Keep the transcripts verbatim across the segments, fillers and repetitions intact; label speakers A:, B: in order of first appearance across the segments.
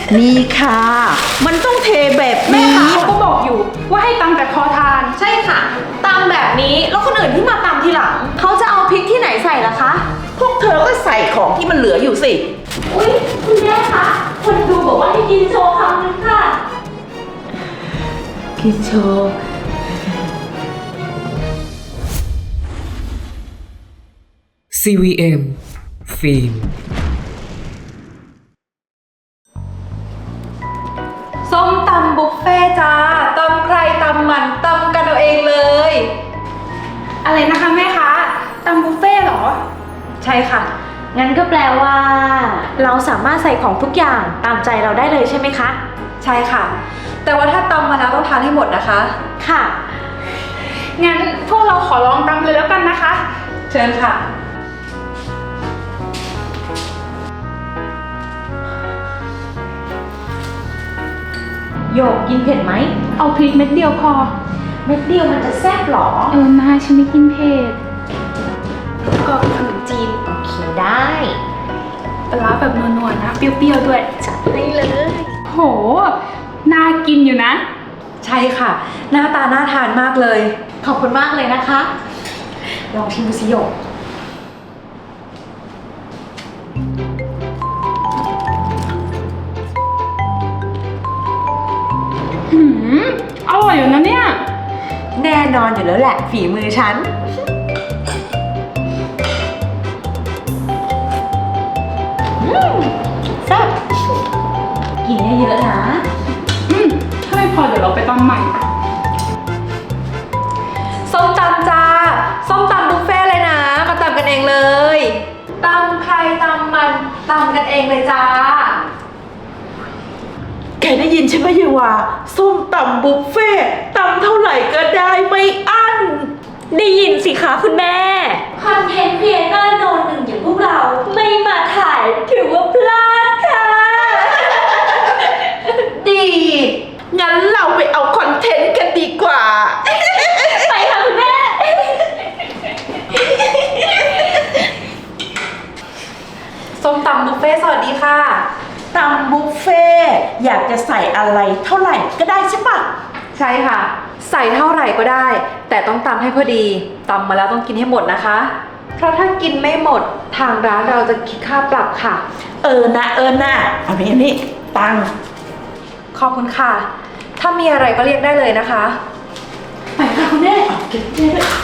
A: นี่ค่ะมันต้องเทแบบ
B: แม่
A: นี้
B: ค้าเขาก็บอกอยู่ว่าให้ตำแต่พอทาน
C: ใช่ค่ะตำแบบนี้แล้วคนอื่นที่มาตำทีหลังเขาจะเอาพริกที่ไหนใส่ล่ะคะ
A: พวกเธอก็ใส่ของที่มันเหลืออยู่สิ
C: อุ๊ยคุณแม่คะคนดูบอกว่าให้กินโชว์คำนึงค่ะ
A: กินโชว์
D: ซี วี เอ็ม ฟิล์ม
C: ส้มตำบุฟเฟ่จ้าตำใครตำมันตำกันเอาเองเลย
B: อะไรนะคะแม่ค้าตำบุฟเฟ่ต์เหรอ
C: ใช่ค่ะ
E: งั้นก็แปลว่า เราสามารถใส่ของทุกอย่างตามใจเราได้เลยใช่ไหมคะ
C: ใช่ค่ะ แต่ว่าถ้าตำมาแล้วต้องทานให้หมดนะคะ
E: ค่ะ
B: งั้นพวกเราขอลองตำเลยแล้วกันนะคะ
C: เชิญค่ะ
E: โยกกินเผ็ดไหม
B: เอาพริกเม็ดเดียวพอ
E: เม็ดเดียวมันจะแซ่บหรอ
B: เออนาฉันไม่กินเผ็ดก็ขนมจีน
E: โอเคได้
B: ปลาร้าแบบนัวๆนะ เปรี้ยวๆด้วย
E: จัดให้เลย
B: โห น่ากินอยู่นะ
C: ใช่ค่ะ หน้าตาน่าทานมากเลย
E: ขอบคุณมากเลยนะคะ
C: ลองชิมดูสิโยก
B: หืม อร่อยอยู่นะเนี่ย
E: แน่นอนอยู่แล้วแหละฝีมือฉัน อืมแซ่บกินเยอะๆนะ
B: อืม ถ้าไม่พอเดี๋ยวเราไปตำใหม่
C: ส้มตำจ้า ส้มตำบุฟเฟ่ต์เลยนะ มาตำกันเองเลยตำใครตำมันตำกันเองเลยจ้า
A: แกได้ยินใช่ไหมเยาวาส้มตำบุฟเฟ่ต์ตำเท่าไหร่ก็ได้ไม่อั้น
E: ได้ยินสิคะคุณแม่ คอนเทนต์ครีเอเตอร์โนนหนึ่งอย่างพวกเราไม่มาถ่ายถือว่าพลาดค่ะ
A: ดี งั้นเราไปเอาคอนเทนต์กันดีกว่า
E: ไปค่ะคุณแม่
C: ส้มตำบุฟเฟ่ต์สวัสดีค่ะ
A: ตำบุฟเฟ่ต์อยากจะใส่อะไรเท่าไหร่ก็ได้ใช่ปะ
C: ใช่ค่ะ ใส่เท่าไหร่ก็ได้ แต่ต้องตำให้พอดีตำมาแล้วต้องกินให้หมดนะคะ เพราะถ้ากินไม่หมดทางร้านเราจะคิดค่าปรับค่ะ
A: เออนะเออนะเอาไปนี่ตังค์
C: ขอบคุณค่ะ ถ้ามีอะไรก็เรียกได้เลยนะคะ
A: ไปค่ะคุณแม่เอาเก็บเงินด้วย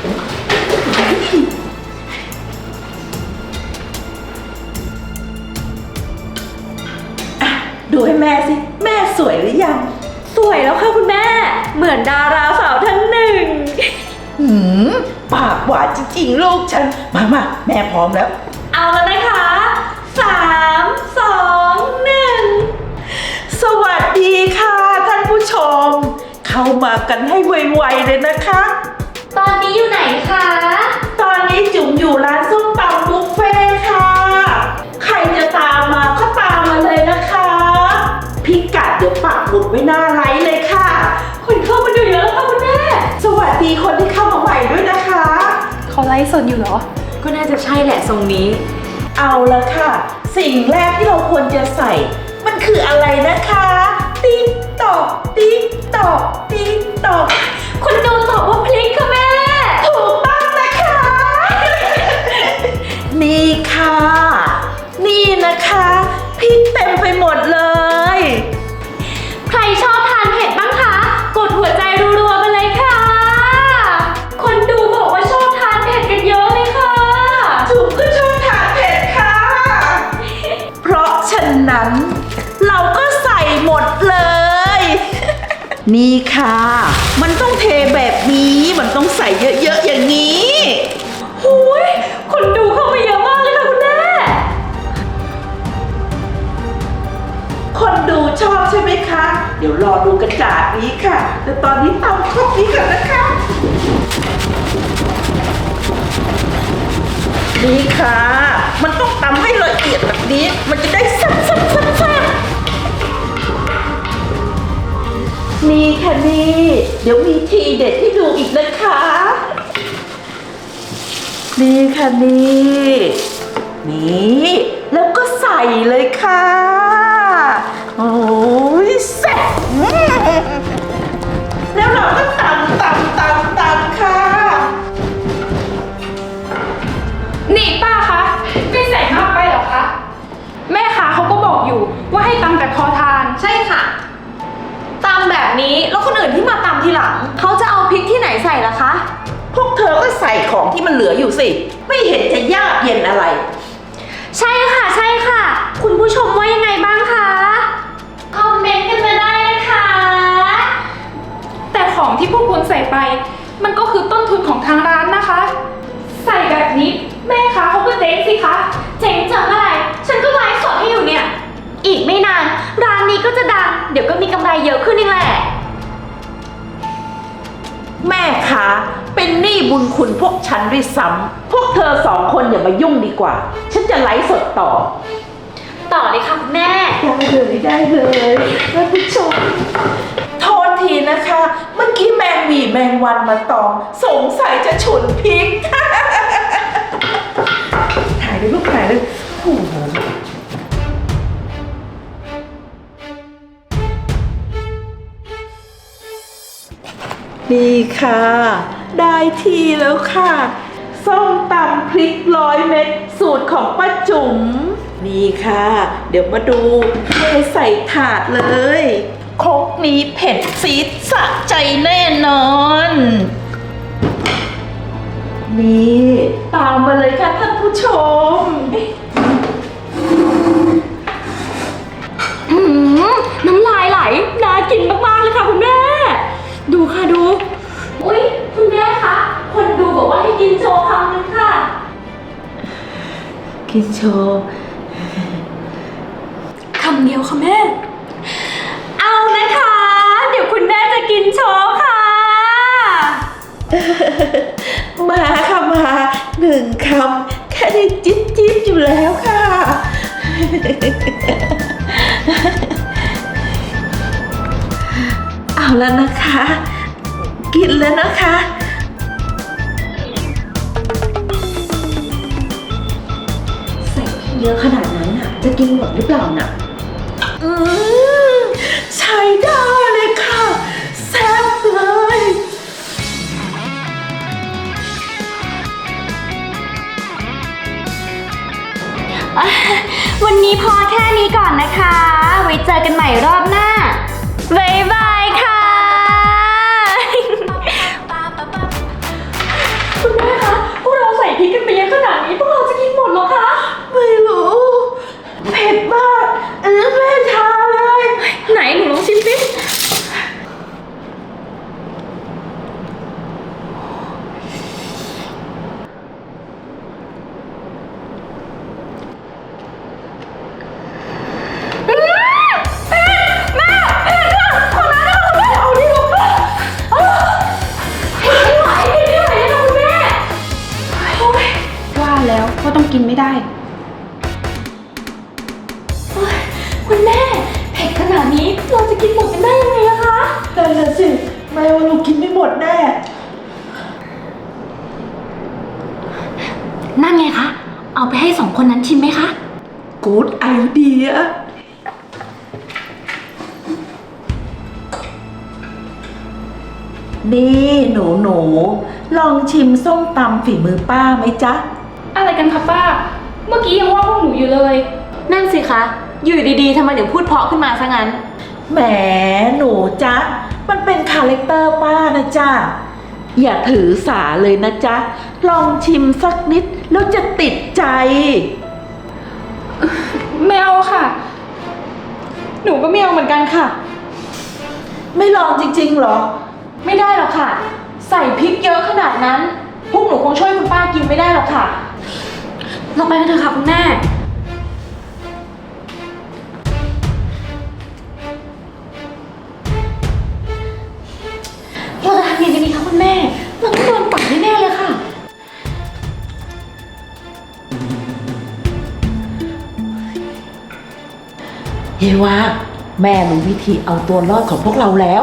A: อ่ะดูให้แม่สิ แม่สวยหรือยัง
E: สวยแล้วค่ะคุณแม่ เหมือนดาราสาวท่านหนึ่ง
A: หืมปากหวานจริงๆ ลูกฉัน มามาแม่พร้อมแล้ว
E: เอาแล้วนะคะสามสองหนึ่ง
A: สวัสดีค่ะท่านผู้ชม เข้ามากันให้ไวๆเลยนะคะ
E: ตอนนี้อยู่ไหนคะ
A: ตอนนี้จุ๋มอยู่ร้านส้มตำบุฟเฟ่ต์ค่ะ ใครจะตามมาก็ตามมาเลยนะคะ พิกัดเดี๋ยวปักหมุดไว้หน้าไลฟ์เลยค่ะ
E: คนเข้ามาดูเยอะแล้วค่ะคุณแม่
A: สวัสดีคนที่เข้ามาใหม่ด้วยนะคะ
B: เขาไลฟ์สดอยู่เหรอ
E: ก็น่าจะใช่แหละทรงนี้
A: เอาละค่ะ สิ่งแรกที่เราควรจะใส่ มันคืออะไรนะคะ ติ๊กตอกติ๊กตอกติ๊กตอก
E: คุณดูตอบว่าพลิกค่ะแม่
A: ถูกต้องนะคะ นี่ค่ะ นี่นะคะพริกเต็มไปหมดเลย
E: ใครชอบทานเผ็ดบ้างคะ กดหัวใจรัวๆไปเลยค่ะ คนดูบอกว่าชอบทานเผ็ดกันเยอะเลยค่ะ
A: จุ๋มก็ชอบทานเผ็ดค่ะ เพราะฉะนั้น เราก็ใส่หมดเลย นี่ค่ะ มันต้องเทแบบนี้ มันต้องใส่เยอะๆอย่างนี้
E: หูย คนดูเข้ามาเยอะมากเลยค่ะคุณแม่
A: คนดูชอบใช่ไหมคะ เดี๋ยวรอดูกระจาดนี้ค่ะ แต่ตอนนี้ตำครบนี้ก่อนนะคะ นี่ค่ะ มันต้องตำให้ละเอียดแบบนี้ มันจะได้แซ่บแซ่บแซ่บแซ่บนี่ค่ะนี่ เดี๋ยวมีทีเด็ดให้ดูอีกนะคะ นี่ค่ะนี่ นี่ แล้วก็ใส่เลยค่ะ
B: ว่าให้ตำแต่พอทาน
C: ใช่ค่ะตำแบบนี้แล้วคนอื่นที่มาตำทีหลังเขาจะเอาพริกที่ไหนใส่ล่ะคะ
A: พวกเธอก็ใส่ของที่มันเหลืออยู่สิ ไม่เห็นจะยากเย็นอะไร
E: ใช่ค่ะใช่ค่ะ คุณผู้ชมว่ายังไงบ้างคะคอมเมนต์กันมาได้นะคะ
B: แต่ของที่พวกคุณใส่ไป มันก็คือต้นทุนของทางร้านนะคะ ใส่แบบนี้แม่ค้าเขาก็เจ๊งสิคะ
E: เจ๋งจังอะไร ฉันก็ไลฟ์สดให้อยู่เนี่ย อีกไม่นาน ร้านนี้ก็จะดัง เดี๋ยวก็มีกำไรเยอะขึ้นนี่แหละ
A: แม่คะเป็นหนี้บุญคุณพวกฉันด้วยซ้ำพวกเธอสองคนอย่ามายุ่งดีกว่า ฉันจะไลฟ์สดต่อ
E: ต่อเลยค่ะคุณแม่
A: ได้เลยได้เลยท่านผู้ชมโทษทีนะคะ เมื่อกี้แมงหวีแมงวันมาตอม สงสัยจะฉุนพริก ถ่ายเลยลูกถ่ายเลยโอ้โหนี่ค่ะ ได้ทีแล้วค่ะส้มตำพริกร้อยเม็ดสูตรของป้าจุ๋มนี่ค่ะ เดี๋ยวมาดูเทใส่ถาดเลยครกนี้เผ็ดซีดสะใจแน่นอน นี่ตามมาเลยค่ะท่านผู้ชม
E: อืมน้ำลายไหล น่ากินมากๆเลยค่ะคุณแม่ ดูค่ะดู อุ๊ย คุณแม่คะ คนดูบอกว่าให้กินโชว์คำนึงค่ะ
A: กินโชว์
E: คำเดียวค่ะแม่ เอานะคะ เดี๋ยวคุณแม่จะกินโชว์ค่ะ
A: มาค่ะมาหนึ่งคำแค่ได้จิ๊บจิ๊บอยู่แล้วค่ะ เอาแล้วนะคะ กินแล้วนะคะ
E: ใส่เยอะขนาดนั้นน่ะ จะกินหมดหรือเปล่าน่ะ
A: อืมใช้ได้เลยค่ะแซ่บเลย
E: วันนี้พอแค่นี้ก่อนนะคะ ไว้เจอกันใหม่รอบหน้า บ๊ายบายค่ะ คุณแม่คะ พวกเราใส่พริกกันไปเยอะขนาดนี้ พวกเราจะกินหมดเหรอคะ
A: ไม่รู้ เผ็ดมากเออแม่ทาเลย
E: ไหนหนูลองชิมสิ
B: ว่าแล้วว่าต้องกินไม่ได้
E: คุณแม่ เผ็ดขนาดนี้เราจะกินหมดกันได้ยังไงล่ะคะ
A: แต่ละสิ แม่ว่าลูกกินไม่หมดแน่
E: นั่นไงคะ เอาไปให้สองคนนั้นชิมไหมคะ
A: กูดไอเดีย นี่หนูหนูลองชิมส้มตำฝีมือป้าไหมจ๊ะ
B: อะไรกันคะป้า เมื่อกี้ยังว่าพวกหนูอยู่เลย
C: นั่นสิคะ อยู่ดีๆทำไมถึงพูดเพราะขึ้นมาซะงั้น
A: แหมหนูจ๊ะ มันเป็นคาแรคเตอร์ป้านะจ๊ะ อย่าถือสาเลยนะจ๊ะ ลองชิมสักนิดแล้วจะติดใจ
B: ไม่เอาค่ะ
C: หนูก็ไม่เอาเหมือนกันค่ะ
A: ไม่ลองจริงๆหรอ
C: ไม่ได้หรอกค่ะ ใส่พริกเยอะขนาดนั้น พวกหนูคงช่วยคุณป้ากินไม่ได้หรอกค่ะ
E: เราไปกันเถอะค่ะคุณแม่ เราจะทำยังไงกันดีคะคุณแม่ เราต้องโดนปรับแน่ๆเลยค่ะ
A: เยว่าแม่รู้วิธีเอาตัวรอดของพวกเราแล้ว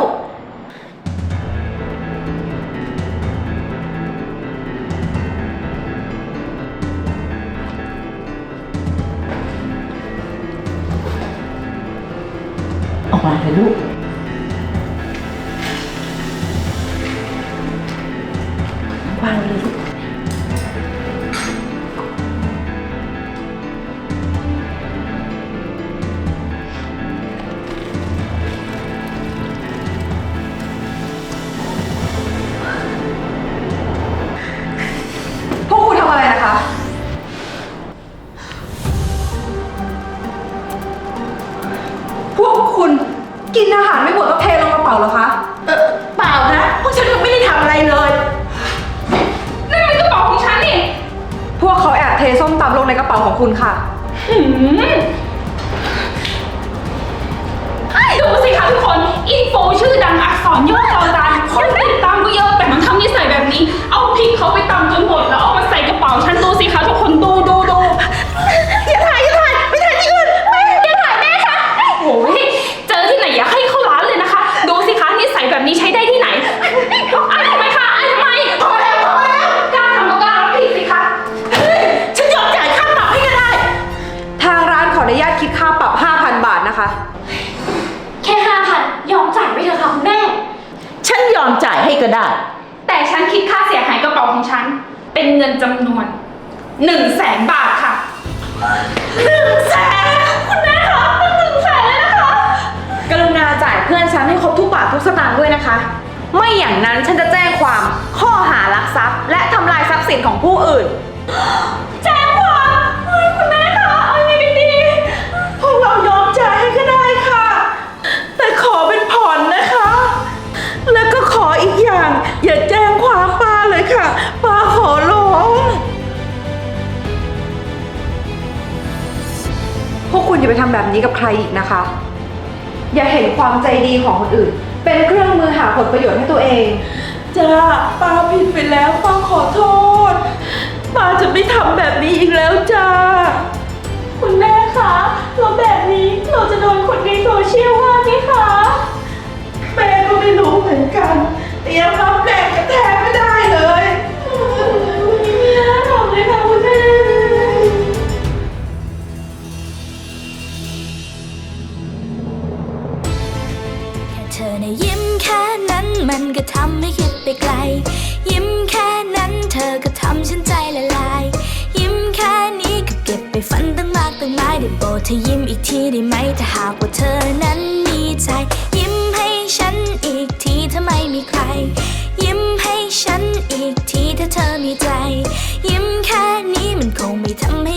A: ออกมาเลยลูกวางเลยลูก
C: พวกคุณกินอาหารไม่หมดก็เทลงกระเป๋าเหรอคะ
A: เออเปล่านะพวกฉันยังไม่ได้ทำอะไรเลย
B: นั่นมันกระเป๋าของฉันนี่
C: พวกเขาแอบเทส้มตำลงในกระเป๋าของคุณค่ะ
B: หืมดูสิคะทุกคน อินโฟชื่อดังอักษรย่อจอจานคนติดตามก็เยอะแต่มันทำนิสัยแบบนี้ เอาพริกเขาไปตำจนหมดแล้วเอามาใส่กระเป๋าฉันดูสิคะทุกคนดูดูดู
A: อย่าถ่ายอย่าถ่ายไม่ถ่ายที่อื่นไม่
B: อย่าถ่ายแม่ค่ะโอ้ยเจอที่ไหนอย่าให้เข้าร้านเลยนะคะ ดูสิคะนิสัยแบบนี้ใช้ได้ที่ไหนอายทำไมคะอายทำไม
A: พอแล้วพอแล้ว
B: กล้าทำก็กล้ารับผิดสิคะ
A: ฉันยอมจ่ายค่าปรับให้ก็ได้
C: ทางร้านขออนุญาตคิดค่าปรับ ห้าพัน บาทนะคะ
E: แค่ห้าพันยอมจ่ายไปเถอะค่ะคุณแม่
A: ฉันยอมจ่ายให้ก็ได้
B: แต่ฉันคิดค่าเสียหายกระเป๋าของฉัน เป็นเงินจำนวนหนึ่งแสนบาทค่ะ
A: หนึ่งแสนคุณแม่คะตั้งหนึ่งแสนเลยนะคะ
C: กรุณาจ่ายเพื่อนฉันให้ครบทุกบาททุกสตางค์ด้วยนะคะ ไม่อย่างนั้นฉันจะแจ้งความข้อหารักทรัพย์ และทำลายทรัพย์สินของผู้อื่น
A: แจ้งความเฮ้ยคุณแม่คะเอายังไงกันดีพวกเรายอมจ่ายให้ก็ได้ค่ะ แต่ขอเป็นผ่อนนะคะ แล้วก็ขออีกอย่าง อย่าแจ้งความป้าเลยค่ะ ป้าขอร้อง
C: พวกคุณอย่าไปทำแบบนี้กับใครอีกนะคะ อย่าเห็นความใจดีของคนอื่น เป็นเครื่องมือหาผลประโยชน์ให้ตัวเอง
A: จ้าป้าผิดไปแล้วป้าขอโทษ ป้าจะไม่ทำแบบนี้อีกแล้วจ้า
E: คุณแม่คะแล้วแบบนี้เราจะโดนคนในโซเชียลว่าไหมคะ
A: แม่ก็ไม่รู้เหมือนกันเตรียมรับแรงกระแทกไม่ได้เลย
E: ไม่น่าทำเลยค่ะคุณแม่
F: เธอในะยิ้มแค่นั้นมันก็ทำให้คิดไปไกล ยิ้มแค่นั้นเธอก็ทำฉันใจละลาย ยิ้มแค่นี้ก็เก็บไปฝันตั้งมากตั้งหลายได้โปรดเธอยิ้มอีกทีได้ไหมถ้าหากว่าเธอนั้นมีใจ ยิ้มให้ฉันอีกทีถ้าไม่มีใคร ยิ้มให้ฉันอีกทีถ้าเธอมีใจ ยิ้มแค่นี้มันคงไม่ทำให้